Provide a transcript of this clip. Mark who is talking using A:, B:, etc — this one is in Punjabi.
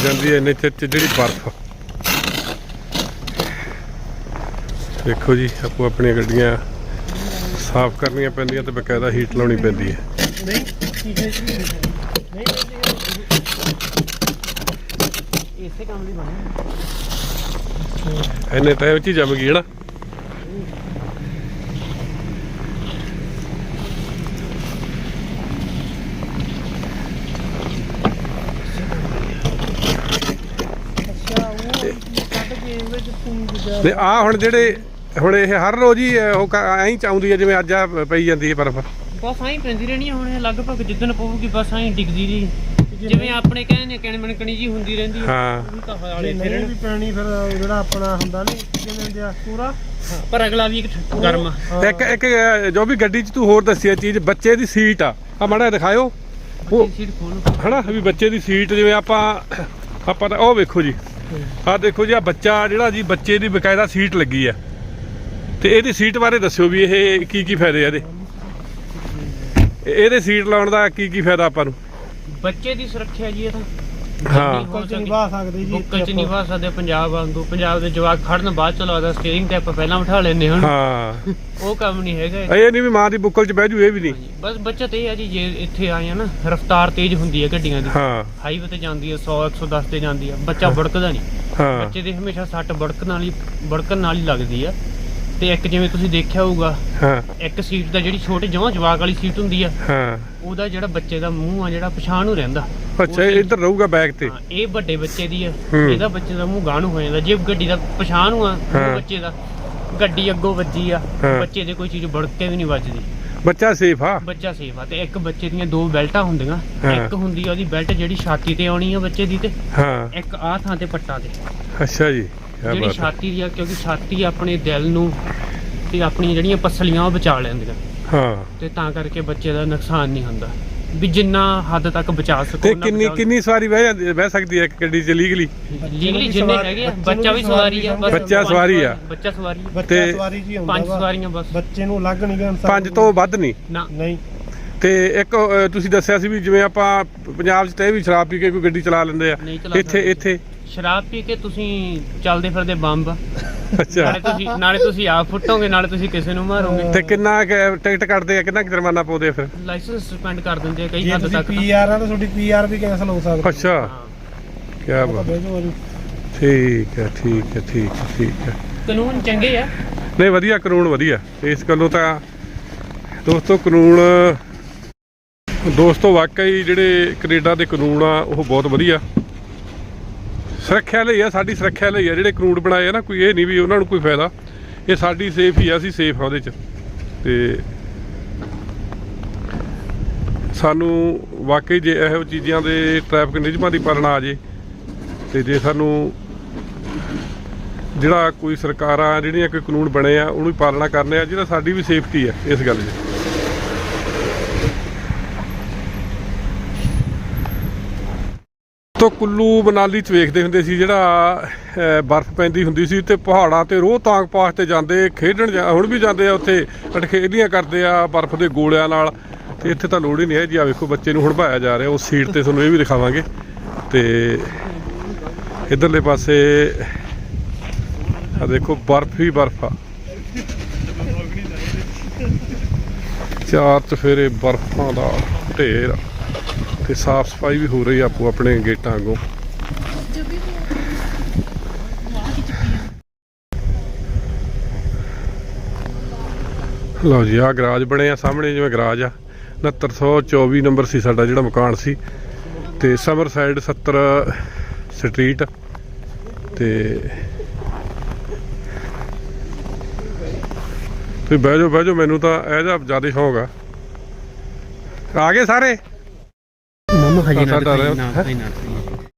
A: जाती है इन्ने चिर च जिहड़ी बर्फ। देखो जी आपको अपन गड्डियां साफ करनियां पैंदियां ते बकायदा हीट लाउणी पैंदी है। इन्ने टाइम च जम गई है ना। ਤੇ ਆ ਹੁਣ ਜਿਹੜੇ ਹੁਣ ਇਹ ਹਰ ਰੋਜ਼ ਹੀ ਉਹ ਐਂ ਚਾਉਂਦੀ ਹੈ ਜਿਵੇਂ ਅੱਜ ਆ ਪਈ ਜਾਂਦੀ ਹੈ ਬਰਫ਼।
B: ਬਸ ਐਂ ਪੈਂਦੀ ਰਹਿਣੀ ਹੁਣ ਲਗਭਗ ਜਿੱਦਣ ਪਊਗੀ ਬਸ ਐਂ ਡਿੱਗਦੀ ਰਹੀ ਜਿਵੇਂ ਆਪਣੇ ਕਹਿੰਦੇ ਕਿਣ ਮਣਕਣੀ ਜੀ ਹੁੰਦੀ ਰਹਿੰਦੀ ਹੈ।
A: ਹਾਂ
B: ਉਹ ਤਾਂ ਹਾਲੇ ਫਿਰ
C: ਵੀ ਪੈਣੀ ਫਿਰ ਜਿਹੜਾ ਆਪਣਾ ਹੁੰਦਾ ਨਹੀਂ ਕਿਵੇਂ ਦਿਆ ਪੂਰਾ
B: ਪਰ ਅਗਲਾ ਵੀ ਇੱਕ ਗਰਮ
A: ਇੱਕ ਜੋ ਵੀ ਗੱਡੀ 'ਚ ਤੂੰ ਹੋਰ ਦੱਸਿਆ ਚੀਜ਼ ਬੱਚੇ ਦੀ ਸੀਟ ਆ ਮਾੜਾ ਦਿਖਾਇਓ ਉਹ
B: ਸੀਟ ਖੋਲ
A: ਹਨਾ ਵੀ ਬੱਚੇ ਦੀ ਸੀਟ ਜਿਵੇਂ ਆਪਾਂ ਤਾਂ ਉਹ ਵੇਖੋ ਜੀ ਆਹ ਦੇਖੋ ਜੀ ਆ ਬੱਚਾ ਜਿਹੜਾ ਜੀ ਬੱਚੇ ਦੀ ਬਕਾਇਦਾ ਸੀਟ ਲੱਗੀ ਆ ਤੇ ਇਹਦੀ ਸੀਟ ਬਾਰੇ ਦੱਸਿਓ ਵੀ ਇਹ ਕੀ ਫਾਇਦੇ ਆ ਇਹਦੇ ਸੀਟ ਲਾਉਣ ਦਾ ਕੀ ਫਾਇਦਾ ਆਪਾਂ ਨੂੰ।
B: ਬੱਚੇ ਦੀ ਸੁਰੱਖਿਆ ਜੀ ਇਹ ਤਾਂ
A: ਹਾਂ
C: ਬੁੱਕਲ ਚ ਨਿਭਾ ਸਕਦੇ ਜੀ
B: ਬੁੱਕਲ ਚ ਨਿਭਾ ਸਕਦੇ ਪੰਜਾਬ ਵਾਂਗੂ ਪੰਜਾਬ ਦੇ ਜਵਾਕ ਖੜਨ ਬਾਅਦ ਚ ਲੱਗਦਾ ਸਟੀਅਰਿੰਗ ਤੇ ਆਪਾਂ ਪਹਿਲਾਂ ਬਿਠਾ ਲੈਂਦੇ ਹੁਣ
A: ਹਾਂ
B: ਉਹ ਕੰਮ ਨਹੀਂ ਹੈਗਾ
A: ਇਹ ਨਹੀਂ ਵੀ ਮਾਂ ਦੀ ਬੁੱਕਲ 'ਚ ਬਹਿ ਜੂ ਇਹ ਵੀ ਨਹੀਂ।
B: ਬਸ ਬੱਚਤ ਇਹ ਆ ਜੀ ਜੇ ਇੱਥੇ ਆਏ ਆ ਨਾ ਰਫ਼ਤਾਰ ਤੇਜ਼ ਹੁੰਦੀ ਹੈ ਗੱਡੀਆਂ ਦੀ
A: ਹਾਂ
B: ਹਾਈਵੇ ਤੇ ਜਾਂਦੀ ਹੈ 100 110 ਤੇ ਜਾਂਦੀ ਆ ਬੱਚਾ ਵੜਕਦਾ ਨਹੀਂ।
A: ਹਾਂ
B: ਬੱਚੇ ਦੇ ਹਮੇਸ਼ਾ ਸੱਟ ਵੜਕਣ ਨਾਲ ਹੀ ਲੱਗਦੀ ਆ ਤੇ ਇੱਕ ਜਿਵੇਂ ਤੁਸੀਂ ਦੇਖਿਆ ਹੋਊਗਾ
A: ਹਾਂ
B: ਇੱਕ ਸੀਟ ਦਾ ਜਿਹੜੀ ਛੋਟੇ ਜਵਾਕ ਵਾਲੀ ਸੀਟ ਹੁੰਦੀ ਆ
A: ਹਾਂ
B: ਉਹਦਾ ਜਿਹੜਾ ਬੱਚੇ ਦਾ ਮੂੰਹ ਆ ਜਿਹੜਾ ਪਛਾਣ ਨੂੰ ਰਹਿੰਦਾ
A: ਅੱਛਾ ਇੱਧਰ ਰਹੂਗਾ ਬੈਕ ਤੇ।
B: ਹਾਂ ਇਹ ਵੱਡੇ ਬੱਚੇ ਦੀ ਆ ਇਹਦਾ ਬੱਚੇ ਦਾ ਮੂੰਹ ਗਾਂਹ ਨੂੰ ਹੋ ਜਾਂਦਾ ਜੇ ਗੱਡੀ ਦਾ ਪਛਾਣ ਨੂੰ ਆ ਬੱਚੇ ਦਾ ਗੱਡੀ ਅੱਗੋਂ ਵੱਜੀ ਆ ਬੱਚੇ ਦੇ ਕੋਈ ਚੀਜ਼ ਵੜਕ ਕੇ ਵੀ ਨਹੀਂ ਵੱਜਦੀ
A: ਬੱਚਾ ਸੇਫ ਆ।
B: ਬੱਚਾ ਸੇਫ ਆ ਤੇ ਇੱਕ ਬੱਚੇ ਦੀਆਂ ਦੋ ਬੈਲਟਾਂ ਹੁੰਦੀਆਂ ਇੱਕ ਹੁੰਦੀ ਆ ਉਹਦੀ ਬੈਲਟ ਜਿਹੜੀ ਛਾਤੀ ਤੇ ਆਉਣੀ ਆ ਬੱਚੇ ਦੀ ਤੇ
A: ਹਾਂ
B: ਇੱਕ ਆਹ ਥਾਂ ਤੇ ਪੱਟਾਂ ਤੇ
A: ਅੱਛਾ ਜੀ
B: ਜਿਹੜੀ ਛਾਤੀ ਦੀ ਆ ਕਿਉਂਕਿ ਛਾਤੀ ਆਪਣੇ ਦਿਲ ਨੂੰ ਤੇ ਆਪਣੀਆਂ ਜਿਹੜੀਆਂ ਪਸਲੀਆਂ ਉਹ ਬਚਾ ਲੈਂਦੀਆਂ
A: ਹਾਂ ਤੇ
B: ਤਾਂ ਕਰਕੇ ਬੱਚੇ ਦਾ ਨੁਕਸਾਨ ਨਹੀਂ ਹੁੰਦਾ ਵੀ ਜਿੰਨਾ ਹੱਦ ਤੱਕ ਬਚਾ ਸਕੋ
A: ਤੇ ਕਿੰਨੀ ਸਵਾਰੀ ਬਹਿ ਸਕਦੀ ਹੈ ਗੱਡੀ 'ਚ ਲੀਗਲੀ
B: ਜਿੰਨੇ ਹੈਗੇ ਆ ਬੱਚਾ ਵੀ ਸਵਾਰੀ ਆ
A: ਬੱਚਾ ਸਵਾਰੀ ਆ
B: ਬੱਚਾ ਸਵਾਰੀ
C: ਬੱਚਾ ਸਵਾਰੀ ਜੀ ਹੁੰਦਾ
B: 5 ਸਵਾਰੀਆਂ ਬਸ
C: ਬੱਚੇ ਨੂੰ ਅਲੱਗ ਨਹੀਂ ਗਣ
A: 5 ਤੋਂ ਵੱਧ ਨਹੀਂ
C: ਨਹੀਂ
A: ਤੇ ਇੱਕ ਤੁਸੀਂ ਦੱਸਿਆ ਸੀ ਵੀ ਜਿਵੇਂ ਆਪਾਂ ਪੰਜਾਬ 'ਚ ਤੇ ਵੀ ਸ਼ਰਾਬ ਪੀ ਕੇ ਕੋਈ ਗੱਡੀ ਚਲਾ ਲੈਂਦੇ ਆ ਇੱਥੇ
B: ਸ਼ਰਾਬ ਪੀ ਕੇ ਤੁਸੀਂ ਚੱਲਦੇ ਫਿਰਦੇ ਬੰਬ
A: ਅੱਛਾ
B: ਨਾਲੇ ਤੁਸੀਂ ਆਪ ਫੁੱਟੋਗੇ ਨਾਲੇ ਤੁਸੀਂ ਕਿਸੇ ਨੂੰ ਮਾਰੋਗੇ
A: ਤੇ ਕਿੰਨਾ ਟਿਕਟ ਕੱਟਦੇ ਆ ਕਿੰਨਾ ਜੁਰਮਾਨਾ ਪਾਉਂਦੇ ਆ ਫਿਰ
B: ਲਾਇਸੈਂਸ ਸਸਪੈਂਡ ਕਰ ਦਿੰਦੇ ਆ ਕਈ ਹੱਦ
C: ਤੱਕ
B: ਤੱਕ
C: ਪੀਆਰ ਆ ਤਾਂ ਤੁਹਾਡੀ ਪੀਆਰ ਵੀ ਕੈਂਸਲ ਹੋ ਸਕਦੀ।
A: ਅੱਛਾ ਕੀ ਬਾਤ ਠੀਕ ਹੈ
B: ਕਾਨੂੰਨ ਚੰਗੇ ਆ
A: ਨਹੀਂ ਵਧੀਆ ਕਾਨੂੰਨ ਵਧੀਆ ਇਸ ਗੱਲੋਂ ਤਾਂ ਦੋਸਤੋ ਕਾਨੂੰਨ ਦੋਸਤੋ ਵਾਕਈ ਜਿਹੜੇ ਕੈਨੇਡਾ ਦੇ ਕਾਨੂੰਨ ਆ ਉਹ ਬਹੁਤ ਵਧੀਆ ਸੁਰੱਖਿਆ ਲਈ ਆ ਸਾਡੀ ਸੁਰੱਖਿਆ ਲਈ ਆ ਜਿਹੜੇ ਕਾਨੂੰਨ ਬਣਾਏ ਆ ਨਾ ਕੋਈ ਇਹ ਨਹੀਂ ਵੀ ਉਹਨਾਂ ਨੂੰ ਕੋਈ ਫਾਇਦਾ ਇਹ ਸਾਡੀ ਸੇਫ ਹੀ ਆ ਅਸੀਂ ਸੇਫ ਆ ਉਹਦੇ 'ਚ ਤੇ ਸਾਨੂੰ ਵਾਕਈ ਜੇ ਇਹੋ ਚੀਜ਼ਾਂ ਦੇ ਟ੍ਰੈਫਿਕ ਨਿਯਮਾਂ ਦੀ ਪਾਲਣਾ ਆ ਜੇ ਤੇ ਜੇ ਸਾਨੂੰ ਜਿਹੜਾ ਕੋਈ ਸਰਕਾਰਾਂ ਜਿਹੜੀਆਂ ਕੋਈ ਕਾਨੂੰਨ ਬਣੇ ਆ ਉਹਨੂੰ ਪਾਲਣਾ ਕਰਨੇ ਆ ਜਿਹੜਾ ਸਾਡੀ ਵੀ ਸੇਫਟੀ ਆ ਇਸ ਗੱਲ 'ਚ। ਤੋਂ ਕੁੱਲੂ ਮਨਾਲੀ 'ਚ ਵੇਖਦੇ ਹੁੰਦੇ ਸੀ ਜਿਹੜਾ ਬਰਫ਼ ਪੈਂਦੀ ਹੁੰਦੀ ਸੀ ਤੇ ਪਹਾੜਾਂ ਤੇ ਰੋਹਤਾਂਗ ਪਾਸ ਤੇ ਜਾਂਦੇ ਖੇਡਣ ਹੁਣ ਵੀ ਜਾਂਦੇ ਆ ਉੱਥੇ ਅਟਖੇਲੀਆਂ ਕਰਦੇ ਆ ਬਰਫ਼ ਦੇ ਗੋਲਿਆਂ ਨਾਲ ਤੇ ਇੱਥੇ ਤਾਂ ਲੋੜ ਹੀ ਨਹੀਂ ਹੈ ਜੀ। ਆ ਵੇਖੋ ਬੱਚੇ ਨੂੰ ਹੜਵਾਇਆ ਜਾ ਰਿਹਾ ਉਸ ਸੀਟ ਤੇ ਤੁਹਾਨੂੰ ਇਹ ਵੀ ਦਿਖਾਵਾਂਗੇ ਤੇ ਇੱਧਰਲੇ ਪਾਸੇ ਆ ਦੇਖੋ ਬਰਫ਼ ਹੀ ਬਰਫ਼ ਆ ਚਾਰ ਚੁਫੇਰੇ ਬਰਫ਼ਾਂ ਦਾ ਢੇਰ ਤੇ ਸਾਫ ਸਫਾਈ ਵੀ ਹੋ ਰਹੀ ਆਪੋ ਆਪਣੇ ਗੇਟਾਂ ਅੱਗੋਂ। ਲਓ ਜੀ ਆਹ ਗਰਾਜ ਬਣੇ ਆ ਸਾਹਮਣੇ ਜਿਵੇਂ ਗਰਾਜ ਆ 6924 ਨੰਬਰ ਸੀ ਸਾਡਾ ਜਿਹੜਾ ਮਕਾਨ ਸੀ ਤੇ ਸਮਰ ਸਾਈਡ 70 ਸਟਰੀਟ ਤੇ ਤੁਸੀਂ ਬਹਿ ਜਾਓ ਮੈਨੂੰ ਤਾਂ ਇਹ ਜਿਹਾ ਜ਼ਿਆਦਾ ਸ਼ੌਕ ਆ ਗਏ ਸਾਰੇ
B: ਮਮਾ ਹਜੇ ਨਾ